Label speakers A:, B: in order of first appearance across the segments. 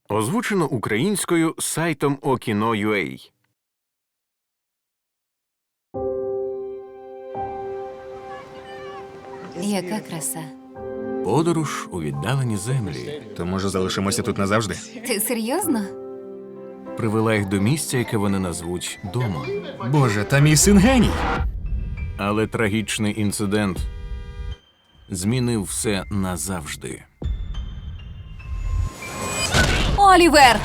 A: Озвучено українською сайтом Okino.ua.
B: Яка краса.
A: Подорож у віддалені землі
C: То, може, залишимося тут назавжди?
B: Ти серйозно?
A: привела їх до місця, яке вони назвуть домом.
C: Боже, та мій син геній!
A: Але трагічний інцидент змінив все назавжди.
B: Олівер!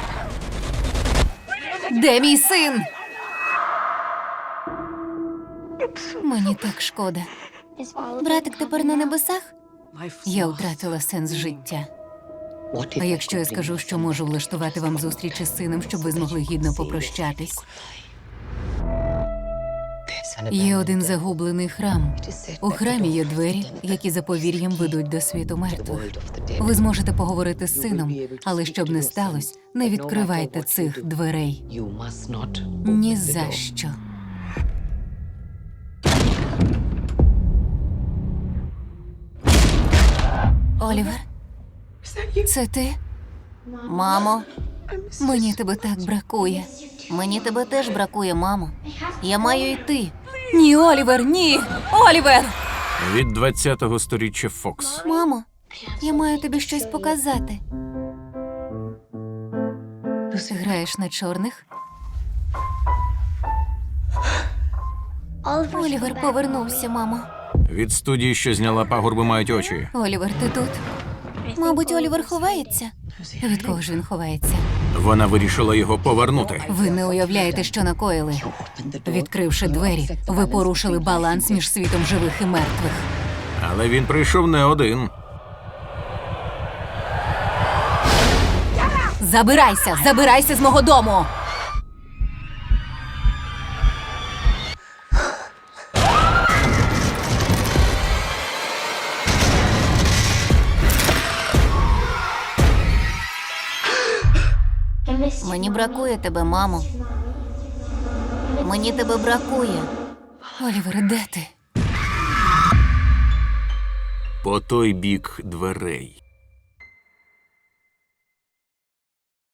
B: Де мій син? Мені так шкода. Братик тепер на небесах? Я втратила сенс життя. А якщо я скажу, що можу влаштувати вам зустріч із сином, щоб ви змогли гідно попрощатись? Є один загублений храм. У храмі є двері, які за повір'ям ведуть до світу мертвих. Ви зможете поговорити з сином, але щоб не сталося, не відкривайте цих дверей. Ні за що. Олівер? Це ти? Мамо, мені тебе так бракує. Мені тебе теж бракує, мамо. Я маю йти. Ні, Олівер, ні! Олівер!
A: Від 20-го сторіччя Фокс.
B: Мамо, я маю тобі щось показати. Ти граєш на чорних? Олівер повернувся, мамо.
A: Від студії, що зняла пагорби, мають очі.
B: Олівер, ти тут? Мабуть, Олівер ховається. Від кого ж він ховається?
A: Вона вирішила його повернути.
B: Ви не уявляєте, що накоїли. Відкривши двері, ви порушили баланс між світом живих і мертвих.
A: Але він прийшов не один.
B: Забирайся! Забирайся з мого дому! Мені бракує тебе, мамо. Мені тебе бракує. Олівер, де ти?
A: По той бік дверей.